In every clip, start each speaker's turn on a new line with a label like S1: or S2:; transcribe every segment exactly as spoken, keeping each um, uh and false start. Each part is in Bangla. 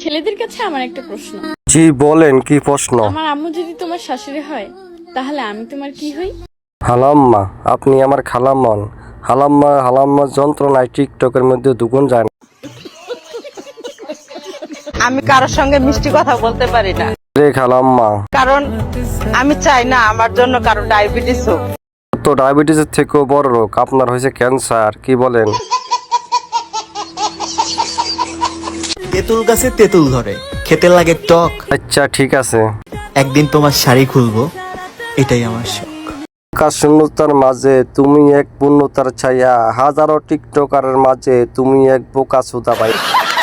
S1: ছেলেদের কাছে আমার একটা প্রশ্ন।
S2: জি বলেন, কি প্রশ্ন?
S1: আমার আম্মু যদি তোমার শাশুড়ি হয় তাহলে আমি তোমার কি হই?
S2: হালাম্মা, আপনি আমার খালাম্মন। হালাম্মা হালাম্মা যন্ত্রণায় টিকটকের মধ্যে দুগুণ যায় না।
S3: আমি কারোর সঙ্গে মিষ্টি কথা বলতে পারি না,
S2: রে খালাম্মা,
S3: কারণ আমি চাই না আমার জন্য কারো ডায়াবেটিস হোক।
S2: তো ডায়াবেটিসের থেকেও বড় রোগ আপনার হয়েছে ক্যান্সার, কি বলেন?
S4: তেঁতুল গাছে তেঁতুল ধরে, খেতে লাগে টক।
S2: আচ্ছা ঠিক আছে।
S4: একদিন তোমার শাড়ি খুলবো, এটাই আমার শখ।
S2: আকাশ শূন্যতার মাঝে তুমি এক পূর্ণতার ছায়া, হাজারো টিকটকারের মাঝে তুমি এক বোকা সুদা ভাই।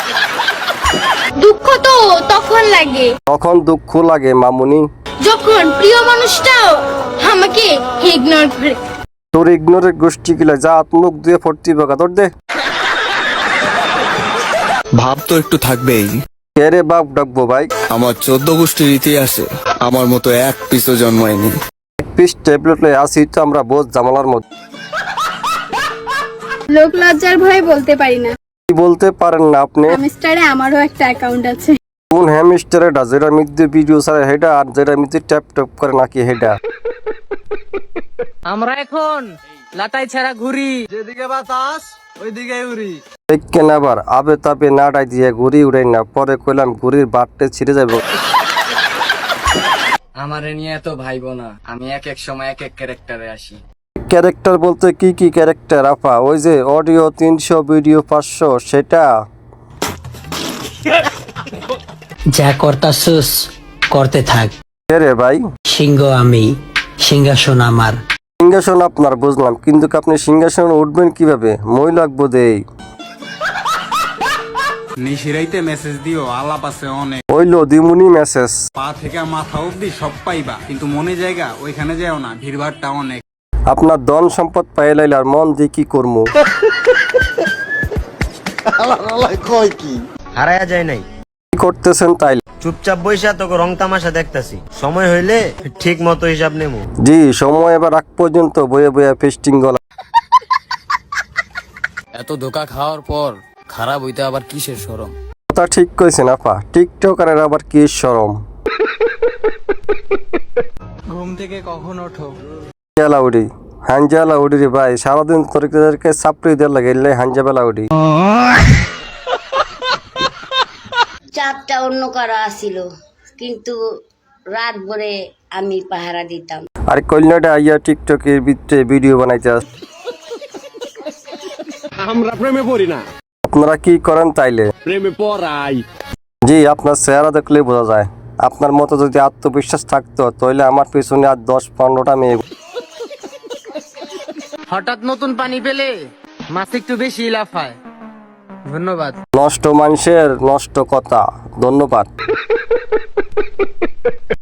S5: দুঃখ তো তখন লাগে
S2: তখন দুঃখ লাগে মামুনি,
S5: যখন প্রিয় মানুষটাও আমাকে ইগনোর করে।
S2: তোর ইগনোরের গোষ্ঠী কিলা যা মুখ দিয়ে ফর্তি বোকা তোর দে।
S6: ভাব তো একটু থাকবেই।
S2: কে রে বাপ ডাকবো ভাই?
S6: আমার চোদ্দ গোষ্ঠীর ইতিহাসে আমার মতো এক পিসও জন্মায়নি।
S2: এক পিস ট্যাবলেট লয়ে আসি তো আমরা বোঝ জামালার মধ্যে।
S5: লোক লজ্জার ভয়ে বলতে পারি না,
S2: কি বলতে পারেন না আপনি?
S5: হ্যামস্টারে আমারও একটা অ্যাকাউন্ট আছে।
S2: কোন হ্যামস্টারটা যেটা মধ্যে ভিডিও ছাড়ে হেডা, আর যেটা মধ্যে ট্যাপ ট্যাপ করে নাকি হেডা?
S3: আমরা এখন লাটাই ছাড়া ঘুরি, যেদিকে বাতাস ওইদিকে উড়ি।
S2: কেন আবার আবে তাবে নাড়াই দিয়ে ঘুরি উড়াই না, পরে কইলাম ঘুরির বাটতে ছিঁড়ে যাবো।
S7: আমারে নিয়ে এত ভাইব না, আমি এক এক সময় এক এক ক্যারেক্টারে আসি।
S2: ক্যারেক্টার বলতে কি কি ক্যারেক্টার আপা? ওই যে অডিও তিনশো ভিডিও পাঁচশো সেটা?
S8: যা করতাছস করতে থাক।
S2: কে রে ভাই?
S8: সিংহ আমি, সিংহাসন আমার।
S2: সিংহাসন আপনার বুঝলাম, কিন্তু আপনি সিংহাসন উঠবেন কিভাবে? মই লাগবো দেই।
S9: নিশিরাইতে মেসেজ দিও, আলাপ আছে অনেক।
S2: ওইলো দিমুনি মেসেজ।
S9: পা থেকে মাথা অব্দি সব পাইবা, কিন্তু মনে জায়গা ওইখানে যাও না, ভিড়ভাড়টা অনেক।
S2: আপনার ধন সম্পদ পাই লাইলে আর মন দিয়ে কি করবো?
S10: হারায়া যায় নাই,
S2: কি করতেছেন তাই?
S10: চুপচাপ বইসা তোকে রং তামাশা দেখতাছি, সময় হইলে ঠিক মতো হিসাব নেবো।
S2: জি সময় এবার আগ পর্যন্ত বয়ে বয়ে ফেস্টিং গলা।
S7: এত ধোকা খাওয়ার পর খারাপ হইতে আবার কিসের শরম?
S2: কথা ঠিক কইছেন আপা, টিকটকারের আবার কি শরম?
S9: ঘুম থেকে কখন ওঠো?
S2: হাঞ্জা লাউডি, হাঞ্জা লাউডি রে ভাই, সারাদিন তোরকে চাপড়ি দেওয়ার লাগে, এলে হাঞ্জা বেলাউডি।
S11: চাপটা অন্য কারো আসিল, কিন্তু রাত ভরে আমি পাহারা দিতাম।
S2: আর কল্যাণটা আইয়া টিকটকের ভিতরে ভিডিও বানাইতে আস।
S9: আমরা প্রেমে পড়ি না,
S2: আপনারা কি করেন তাইলে?
S9: প্রেমে পড়াই।
S2: জি আপনার চেহারা দেখলে বোঝা যায়। আপনার মতো যদি আত্মবিশ্বাস থাকতো তাহলে আমার পিছনে আর দশ পনেরোটা মেয়ে।
S3: হঠাৎ নতুন পানি পেলে মাছ একটু বেশি লাফায়। ধন্যবাদ।
S2: নষ্ট মানুষের নষ্ট কথা, ধন্যবাদ।